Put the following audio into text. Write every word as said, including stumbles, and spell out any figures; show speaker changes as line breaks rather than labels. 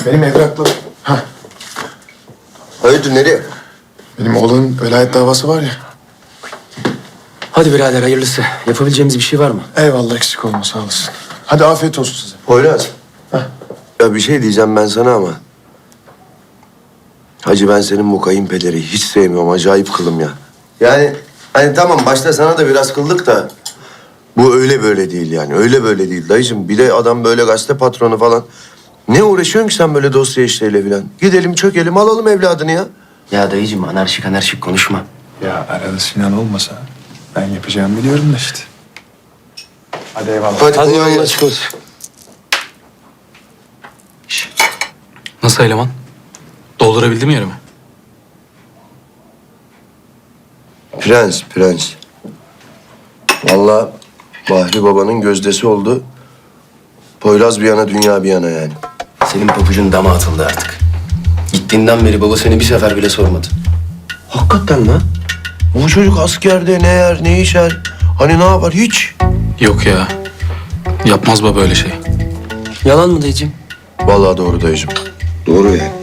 Benim evrakla... Hah,
Hayırdır nereye?
benim oğlanın velayet davası var ya.
Hadi birader hayırlısı. Yapabileceğimiz bir şey var mı?
Eyvallah, eksik olma, sağ olasın. Hadi afiyet olsun size.
Poyraz. Ya bir şey diyeceğim ben sana ama. Hacı ben senin bu kayınpederi hiç sevmiyorum. Acayip kılım ya. Yani hani tamam başta sana da biraz kıldık da. Bu öyle böyle değil yani. Öyle böyle değil dayıcığım. Bir de adam böyle gazete patronu falan. Ne uğraşıyorsun ki sen böyle dosya işleriyle falan? Gidelim çökelim alalım evladını ya.
Ya dayıcığım anarşik anarşik konuşma.
Ya arada Sinan olmasa ben yapacağımı biliyorum da işte. Hadi eyvallah.
Hadi,
Hadi
kolay
yolun
gelsin.
açık olsun.
Nasıl eleman? Doldurabildim yerimi.
Prens, prens. Vallahi Bahri babanın gözdesi oldu. Poyraz bir yana, dünya bir yana yani.
Senin pabucun dama atıldı artık. Gittiğinden beri baba seni bir sefer bile sormadı.
Hakikaten lan. Bu çocuk askerde ne yer, ne içer, hani ne yapar hiç.
Yok ya. Yapmaz baba öyle şey.
Yalan mı dayıcığım?
Vallahi doğru dayıcığım. Doğru yani.